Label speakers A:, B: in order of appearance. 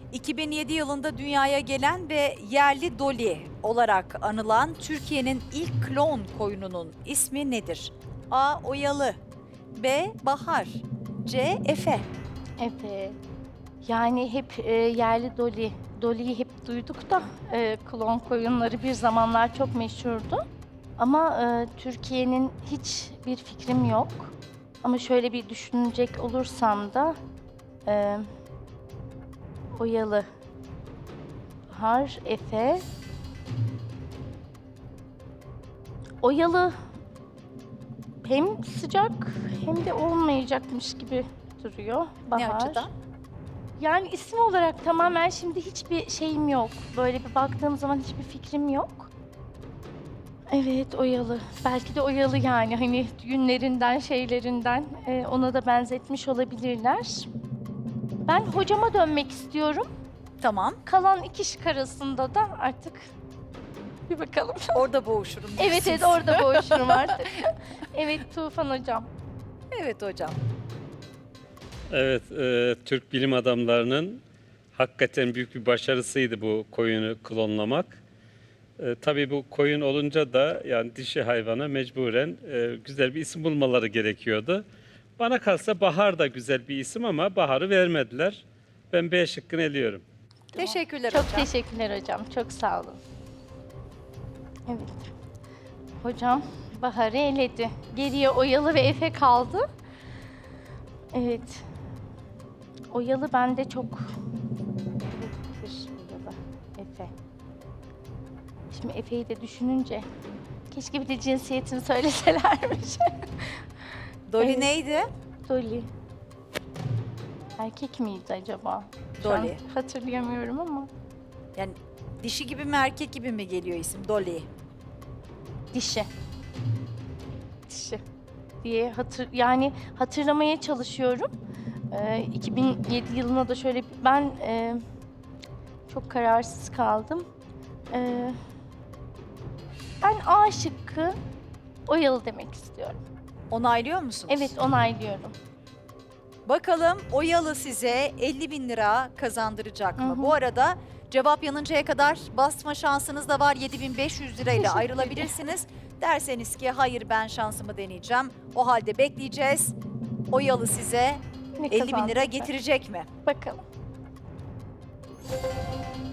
A: 2007 yılında dünyaya gelen ve yerli Dolly olarak anılan Türkiye'nin ilk klon koyununun ismi nedir? A. Oyalı, B. Bahar, C. Efe.
B: Evet. Yani hep yerli Dolly. Dolly'yi hep duyduk da klon koyunları bir zamanlar çok meşhurdu. Ama Türkiye'nin hiçbir fikrim yok. Ama şöyle bir düşünecek olursam da Oyalı, Bahar, Efe. Oyalı hem sıcak hem de olmayacakmış gibi duruyor. Bahar.
A: Ne açıdan?
B: Yani isim olarak tamamen şimdi hiçbir şeyim yok. Böyle bir baktığım zaman hiçbir fikrim yok. Evet, Oyalı. Belki de Oyalı yani hani günlerinden, şeylerinden ona da benzetmiş olabilirler. Ben hocama dönmek istiyorum.
A: Tamam.
B: Kalan iki şık arasında da artık bir bakalım.
A: Orada boğuşurum.
B: Evet,
A: diyorsunuz.
B: orada boğuşurum artık. Evet, Tufan hocam.
A: Evet hocam.
C: Evet, Türk bilim adamlarının hakikaten büyük bir başarısıydı bu koyunu klonlamak. Tabii bu koyun olunca da yani dişi hayvana mecburen güzel bir isim bulmaları gerekiyordu. Bana kalsa Bahar da güzel bir isim ama Bahar'ı vermediler. Ben B şıkkını eliyorum.
A: Teşekkürler
B: Çok
A: hocam.
B: teşekkürler hocam. Çok sağ olun. Evet. Hocam Bahar'ı eledi. Geriye Oyalı ve Efe kaldı. Evet. Oyalı bende çok... Oyalı, Efe. Şimdi Efe'yi de düşününce... Keşke bir de cinsiyetini söyleselermiş.
A: Dolly
B: Evet.
A: neydi?
B: Dolly. Erkek miydi acaba? Şu an
A: Dolly.
B: hatırlayamıyorum ama.
A: Yani dişi gibi mi erkek gibi mi geliyor isim? Dolly.
B: Dişi. Dişi diye hatırlamaya çalışıyorum. 2007 yılına da şöyle ben çok kararsız kaldım. Ben A şıkkı Oyalı demek istiyorum.
A: Onaylıyor musunuz?
B: Evet, onaylıyorum.
A: Bakalım Oyalı size 50.000 lira kazandıracak mı?
B: Hı hı.
A: Bu arada cevap yanıncaya kadar basma şansınız da var. 7.500 lirayla
B: Teşekkür
A: ayrılabilirsiniz. Derseniz ki hayır ben şansımı deneyeceğim. O halde bekleyeceğiz. Oyalı size
B: Ne
A: 50.000 lira
B: kazandıracak?
A: getirecek mi?
B: Bakalım.